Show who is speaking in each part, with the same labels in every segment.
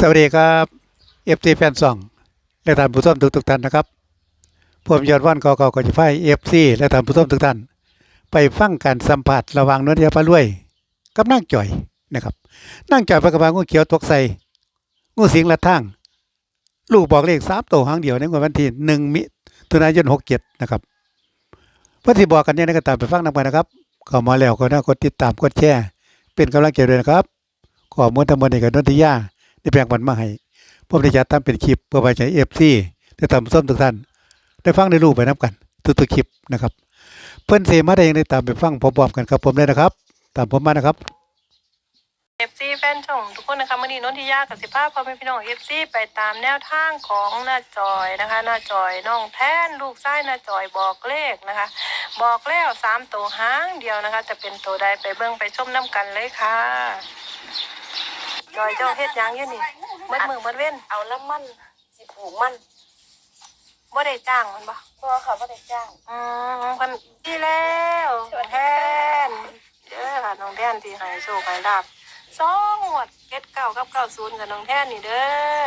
Speaker 1: สวัสดีครับเอฟซีแฟนซองและท่านผู้ชมทุกท่านนะครับผมยอดวันก็จะพาเอฟซีและท่านผู้ชมทุกท่านไปฟังการสัมผัสระหว่างนนทยาพารวยกับนางจ่อยนะครับนางจ่อยพระกบางูเขียวตกใส่งูสิงละทางลูกบอกเลข3 ตัวหางเดียวในวันที่1 มิถุนายน 67นะครับเพื่อที่บอกกันเนี่ยก็ตามไปฟังนำกันนะครับเข้ามาแล้วก็น่ากดติดตามกดแชร์เป็นกำลังใจด้วยนะครับขอมวลทั้งหมดในกับนนทยาได้แบ่งปันมาให้ผมได้จัดทำเป็นคลิปเพื่อไปใช้FCได้ทำส้มทุกท่านได้ฟังได้รู้ไปนับกันทุกคลิปนะครับเพิ่นเสมาได้ยังได้ตามไปฟังพร้อมๆกันครับผมเลยนะครับตามผมมานะครับ
Speaker 2: FC แฟนช่องทุกคนนะคะมื่อนี้นนทิยากับ15พ่อแม่พี่น้อง FC ไปตามแนวทางของหน้าจอยนะคะหน้าจอยน้องแท่นลูกชายหน้าจอยบอกเลขนะคะบอกแล้ว3 ตัวหางเดียวนะคะจะเป็นตัวใดไปเบิ่งไปชมน้ำกันเลยค่ะจอยเจ้าเฮ็ดยังอยู่นี่มืดเว้น
Speaker 3: เอาละมันสิปลูกมัน
Speaker 2: บ่ได้จ้างมันบ่
Speaker 3: ค่ะบ่ได้จ้าง
Speaker 2: พันที่แล้วน้องแท่นเด้อค่ะน้องแท่นที่ให้โชคให้ลาภ2 งวด79กับ90กับน้องแท่นนี่เด้อ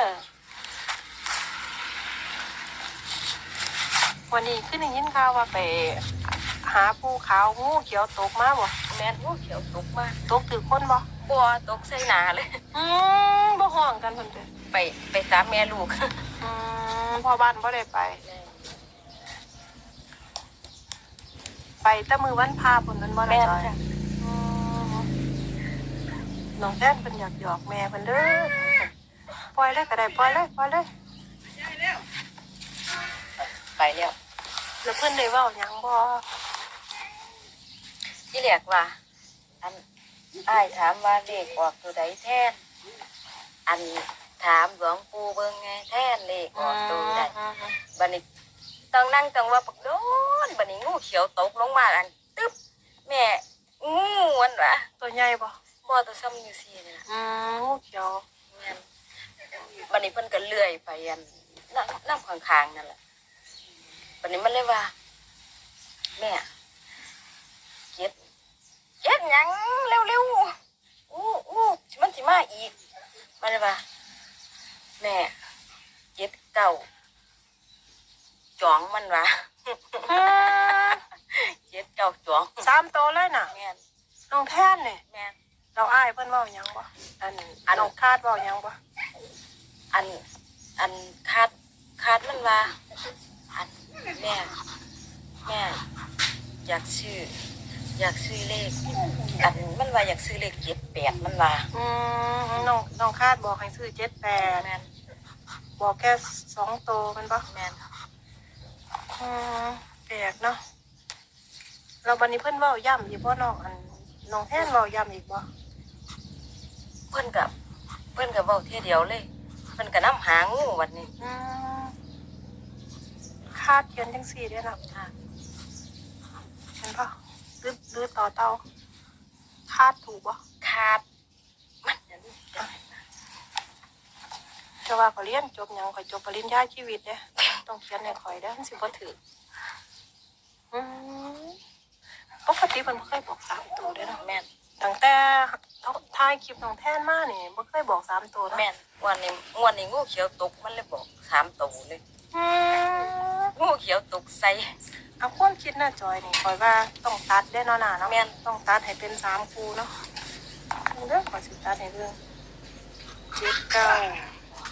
Speaker 2: วันนี้ขึ้นได้ยินข่าวว่าไปหาภูเขางูเขียวตกมาบ่
Speaker 3: แม่นงูเขียวตกมา
Speaker 2: ตกถือคนบ่
Speaker 3: บ่ตกใส่หน้าเลย
Speaker 2: บ่ห้องกันเพิ่นเด้อ
Speaker 3: ไปตามแม่ลูก
Speaker 2: พ่อบ้านบ่ได้ไปแต่มือวันพาเพิ่นบ่ได้ไปน้องแท่นเพิ่นอยากหยอกแม่เพิ่นเด้อปล่อยเลยก็ได้ปล่อยเลย
Speaker 3: ไปแล้ว
Speaker 2: แล้วเพิ่นได้เว้าหยังบ่
Speaker 3: ที่แรกว่าอันอ้ายถามว่าเลขออกตัวใดแทนอันถามหลวงปู่เบิ่งไงแทนเลขออกตัวใดบัดนี้ต้องนั่งต้องว่าปักโดนบัดนี้งูเขียวตกลงมาอันตึ๊บแม่งูมันวะ
Speaker 2: ตัวใหญ่บ่
Speaker 3: ตัวซ้ำอยู่ซี่นี่ล่ะ
Speaker 2: งูเขียว
Speaker 3: แม่นบัดนี้เพิ่นก็เลื่อยไปอันน้ำข้างๆนั่นแหละบัดนี้มันเลยว่าแม่เก็ดหยังเร็วๆมันสิมาอีกมันเลยว่าแม่เก็ดเก่าจ้องมันวะเก็ดเก่าจ้อง
Speaker 2: 3 ตัวเลยน่ะ
Speaker 3: แม่น
Speaker 2: น้องแท่นนี่
Speaker 3: แม่น
Speaker 2: เราอ้ายเพิ่นเว้าหยังบ่อันน้องคาดเว้าหยังบ่
Speaker 3: อันคาดมันว่าอันแม่อยากซื้อเลขอันมันว่าอยากซื้อเลข78มันว่า
Speaker 2: น้องคาดบอกให้ซื้อ78
Speaker 3: แม่น
Speaker 2: บอกแค่2 ตัวมันบ่
Speaker 3: แม่น
Speaker 2: แปลกเนาะเราบัดนี้เพิ่นเว้าย้ำอีกบ่น้องแท่นเว้าย้ำอีกบ่
Speaker 3: เพิ่นก็เว้าเที่ยเดียวเลยเพิ่นก็นำหางูวันนี้
Speaker 2: คาดเขียนจังซี่เด้อเนาะค่ะเห็นป่ะหรือต่อเตาคาดถูกป่ะ
Speaker 3: คาดมัน
Speaker 2: จะว่าเขาเรียนจบยังข่อยจบปริญญาชีวิตเนี่ยต้องเขียนในข่อยได้มันสิบ่ถือปกติมันบ่เคยบอก3 ตัวเด้อเนาะ
Speaker 3: แม่น
Speaker 2: ตั้งแต่ถ่ายคลิปน้องแท่นมานี่บ่เคยบอก3 ตัว
Speaker 3: แม่นวันนี้งูเขียวตกมันเลยบอก3 ตัวเลยงูเขียวตกใส่
Speaker 2: เอาความคิดหน้าจอยนี่ข่อยว่าต้องตัดได้เนาะน่ะเนาะ
Speaker 3: แม่น
Speaker 2: ต้องตัดให้เป็น3 คู่เนาะเด้อข่อยสิตัดให้เบิ่ง79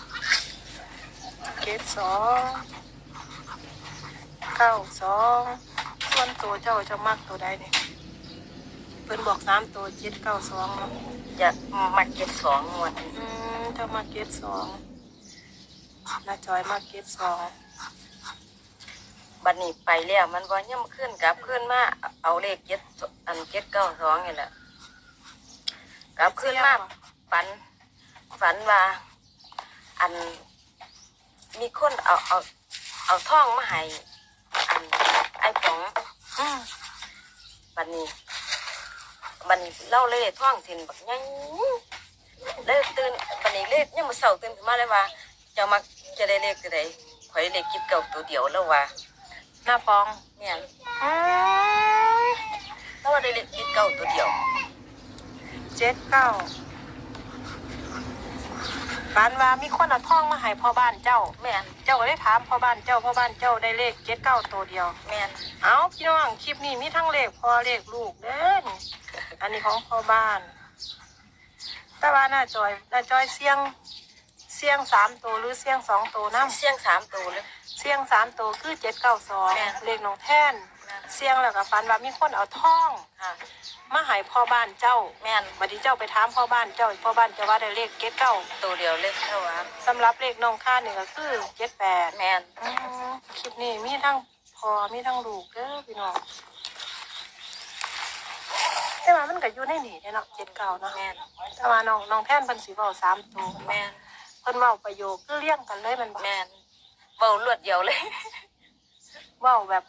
Speaker 2: 92 ส่วนตัวเจ้าจะมักตัวใดนี่เพิ่นบอก3 ตัว792เนาะ
Speaker 3: จะมา72งวด
Speaker 2: เจ้ามา72น้าจอยมา72
Speaker 3: บัดนี้ไปแล้วมันบ่ยังขึ้นกลับขึ้นมาเอาเลข792นี่แหละกลับขึ้นมาฝันว่าอันมีคนเอาทองมาให้อันไอ้ป๋องบัดนี้เล่าเลยท่องสินบักยังเลยตื่นบัดนี้เลขยังมาเศร้าตื่นขึ้นมาเลยว่าจะได้เลขตัวใดข่อยเลข79ตัวเดียวแล้วว่า
Speaker 2: หน้าปอง
Speaker 3: เนี่ยแล้วว่าได้เลข79ตัวเดียว
Speaker 2: 79 ฝันว่ามีคนเอาทองมาให้พ่อบ้านเจ้า
Speaker 3: แม่น
Speaker 2: เจ้าก็ได้ถามพ่อบ้านเจ้าได้เลข79ตัวเดียว
Speaker 3: แม่น
Speaker 2: เอาพี่น้องคลิปนี้มีทั้งเลขพ่อเลขลูกเด้อนี่อันนี้ของพ่อบ้าน แต่ว่าน้าจอยเสี่ยง3ตัวหรือเสี่ยง2ตัวน้ำ
Speaker 3: เสียง3ตัวเลย
Speaker 2: เสี่ยง3ตัวคือ792เลขน้องแท่นเสี่ยงแล้วก็ฝันว่ามีคนเอาทอง
Speaker 3: ค่ะ
Speaker 2: มาให้พ่อบ้านเจ้า
Speaker 3: แม่น
Speaker 2: บัดนี้เจ้าไปถามพ่อบ้านเจ้าว่าได้เลข79
Speaker 3: ตัวเดียวเลยเท่าว่า
Speaker 2: สำหรับเลขน้องค่านี่ก็คือ78
Speaker 3: แม่น
Speaker 2: คลิปนี้มีทั้งพ่อมีทั้งลูกเด้อพี่น้องแต่ว่ามันก็อยู่ในนี่เนาะ79เนาะ
Speaker 3: แม่น
Speaker 2: แต่ว่าน้องแท่นเพิ่นสิเว้า3ตัว
Speaker 3: แม่น
Speaker 2: เพิ่นเว้าประโยคคือเรียงกันเลยแมันบ่
Speaker 3: แม่นเว้ารวดเดียวเลย
Speaker 2: เว้าแบบ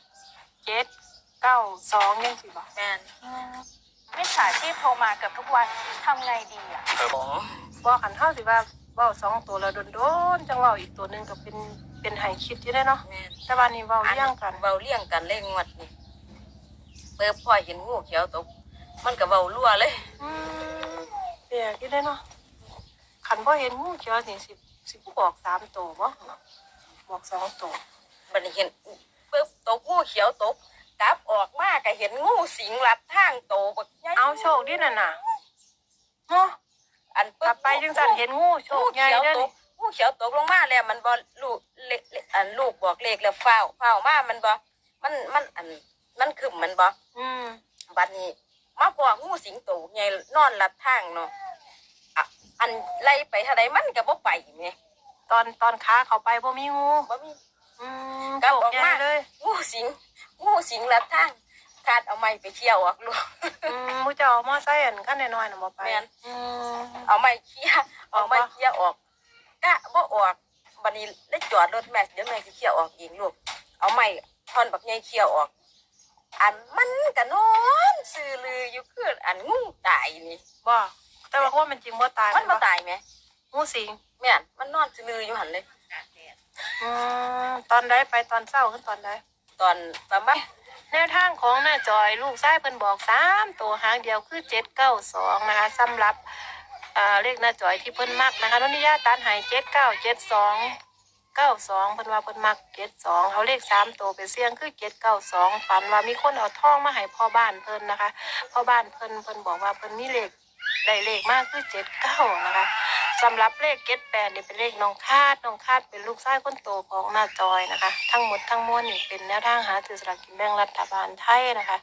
Speaker 2: 792จังซี่บ่
Speaker 3: แม่น
Speaker 4: มิจฉาชีพโทรมาเกือบทุกวันทำไงดีอ่ะ
Speaker 3: ของ
Speaker 2: บ่คันเฮาสิว่าเว้า2ตัวแล้วโดนๆจังเว้าอีกตัวหนึงก็เป็นให้คิดอยู่ได้เนาะ
Speaker 3: แม่น
Speaker 2: แต่ว่านี่เว้าเรียงกัน
Speaker 3: เว้าเลี้ยงกันเลยงวดนี่เปิดพ่อเห็นงูเขียวตกมันก็เว้ารั่วเลย
Speaker 2: เปียกอยู่ได้เนาะคันบ่เห็นงูเขียวนี่สิบอก3ตัวบ่บอก2ตัว
Speaker 3: บัดนี้เห็นปึ๊บตกงูเขียวตกกลับออกมาก็เห็นงูสิงลัดทางโตบักใหญ่
Speaker 2: เอาโชคดีนั่นน่ะเนาะ
Speaker 3: อัน
Speaker 2: กลับไปจังซั่นเห็นงูโช
Speaker 3: งู
Speaker 2: คใหญ่
Speaker 3: เขียว
Speaker 2: เด้อ
Speaker 3: ต
Speaker 2: นี่
Speaker 3: กงูเขียวตกลงมาแล้วมันบ่ลูกอันลูกบอกเลขแล้วเฝ้ามามันบ่มันอันมันคึมมันบ่
Speaker 2: อืม
Speaker 3: บัดนี้มาพองูสิงโตใหญ่นอนลัดทางเนาะอะอันไล่ไปเท่าใดมันก็บ่ไปแหม
Speaker 2: ตอนขาเข้าไปบ่มีงู
Speaker 3: บ่มี
Speaker 2: อืม
Speaker 3: กลับ
Speaker 2: โช
Speaker 3: อ
Speaker 2: ค
Speaker 3: อก
Speaker 2: ใหญ่
Speaker 3: มา
Speaker 2: เลย
Speaker 3: งูสิงลัดทางคาดเอาไม้ไปเคี่ยวออกลูก
Speaker 2: มูเจ้าเอามอไซค์อันคันน้อยๆน่ะบ่ไป
Speaker 3: แม่น
Speaker 2: อืม
Speaker 3: เอาไม้เคี่ยเอาไม้เคี่ยออกกะบ่ออกบัดนี้ได้จอดรถแม่เดี๋ยวแม่สิเคี่ยออกเองลูกเอาไม้ท่อนบักใหญ่เคี่ยออก อันมันก็นอนซื่อลืออยู่คืออันงูตายนี่
Speaker 2: บ่แต่ว่าความเป็นจริงบ่ตาย
Speaker 3: มันบ่ตายแหม
Speaker 2: งูสิง
Speaker 3: แม่นมันนอนซื่อลืออยู่หั่นเลย
Speaker 2: ตอนใดไปตอนเช้าขึ้นตอนใด
Speaker 3: ตอนประมาณ
Speaker 2: แนวทางของน้าจอยลูกชายเพิ่นบอก3ตัวหางเดียวคือ792นะคะสำหรับเลขน้าจอยที่เพิ่นมักนะคะนนทิยาตันให้7972 92เพิ่นว่าเพิ่นมัก72เอาเลข3ตัวไปเสี่ยงคือ792ฝันว่ามีคนเอาทองมาให้พ่อบ้านเพิ่นนะคะพ่อบ้านเพิ่นบอกว่าเพิ่นมีเลขได้เลขมากคือ79นะคะสำหรับเลข78นี่เป็นเลขน้องคาดเป็นลูกชายคนโตของน้าจอยนะคะทั้งหมดทั้งมวลนี่เป็นแนวทางหาซื้อสลากกินแบ่งรัฐบาลไทยนะคะ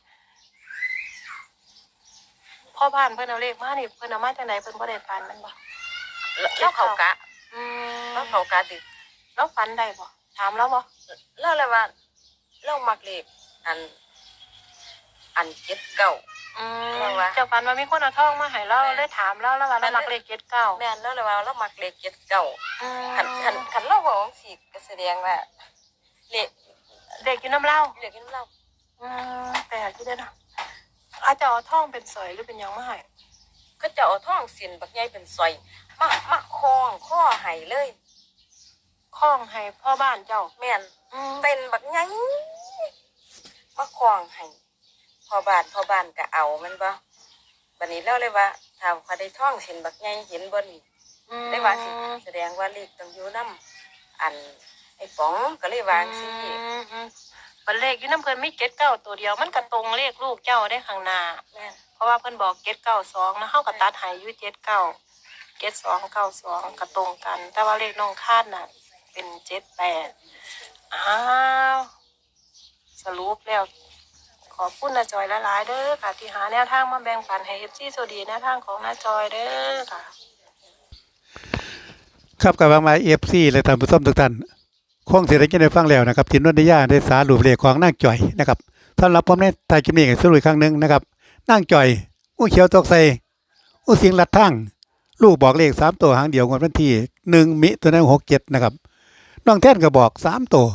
Speaker 2: พ่อบ้านเพิ่นเอาเลขมานี่เพิ่นเอามาจากไหนเพิ่นบ่ได้ฝันมันบ่
Speaker 3: แล้วเขากะ
Speaker 2: อื
Speaker 3: แล้วเขากะติ
Speaker 2: แล้วฝันได้บ่ถามแล้วบ่
Speaker 3: แล้วเลยว่าเรามักเลขอันเจ็ดเก้า แล้ววะ
Speaker 2: เจ้าฝันว่ามีคนเอาทองมาให้เราเลยถามแล้วว่าเรามักเลข79
Speaker 3: แม่นแล้วเลยว่าเรามักเลขเจ็ดเก้าคันเราบอกว่าสิก็แสดงว่าเลข
Speaker 2: เด็กอยู่น้ำเล่า
Speaker 3: เลขนี้เรา
Speaker 2: แต่หาที่ได้เนาะอาจจะเอาทองเป็นสอยหรือเป็นหยังมาให้
Speaker 3: ก็จะเอาท่องเสียนบักใหญ่เป็นซอยมาคล้องข้อให้เลย
Speaker 2: ข้องให้พ่อบ้านเจ้า
Speaker 3: แม่น
Speaker 2: อืม
Speaker 3: เป็นบักใหญ่มาคล้องให้พ่อบ้านก็เอามันบ่บัดนี้เราเลยว่าถ้าเขาได้ท่องเสียนบักใหญ่เห็นบ่นี่ ได้ว่าสิแสดงว่าเลขต้องอยู่น้ำอันไอ้ป๋องก็เลยวางสิ
Speaker 2: บันเลขอยู่น้ำเพิ่นมี79ตัวเดียวมันก็ตรงเลขลูกเจ้าได้ข้างหน้า
Speaker 3: แม่น
Speaker 2: เพราะว่าเพิ่นบอก792นะเฮาก็ตัดให้อยู่79 7292ก็ตรงกัน แต่ว่าเลขน้องคาดน่ะเป็น78อ้าวสรุปแล้วขอบคุณน้าจอยหลายๆเด้อค่ะที่หาแนวทางมาแบ่งปันให้ FC สวัสดีแนวทางของน้าจอยเด้อค่ะ
Speaker 1: ครับกับมาเอฟซีและท่านผู้ชมทุกท่านคงเสียได้ยินได้ฟังแล้วนะครับทีมนนทิยาได้สารุปเลขของนางจ่อยนะครับสำหรับผมในท้ายคลิปนี้ก็สรุปอีกครั้งหนึ่งนะครับนางจ่อยอู้เขียวตกใส่อู้สิงลัดทั้งลูกบอกเลข3ตัวหางเดียวงวดวันที่1 มิถุนายน67นะครับน้องแท่นก็บอก3ตัว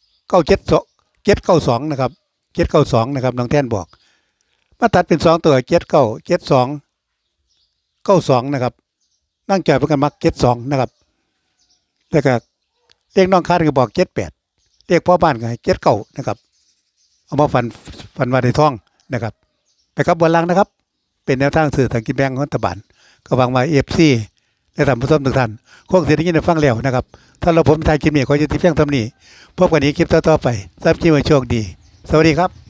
Speaker 1: 792นะครับ792นะครับน้องแท่นบอกมาตัดเป็น2ตัว79 72 92นะครับนางจ่อยเป็นกันมัก72นะครับแล้วก็เลขน้องคาดก็บอก78เลขพ่อบ้านก็ให้79นะครับเอามาฟันว่าได้ท่องนะครับไปครับบนล่างนะครับเป็นแนวทางสื่อทางกินแบงของรัฐบาลก็หวังว่า FC และท่านผู้ชมทุกท่านคงสิได้ยินได้ฟังแล้วนะครับถ้าเราผมทายคลิปนี้ขอยุติเพียงเท่านี้พบกันอีกคลิปต่อๆไปทราบคลิปว่าโชคดีสวัสดีครับ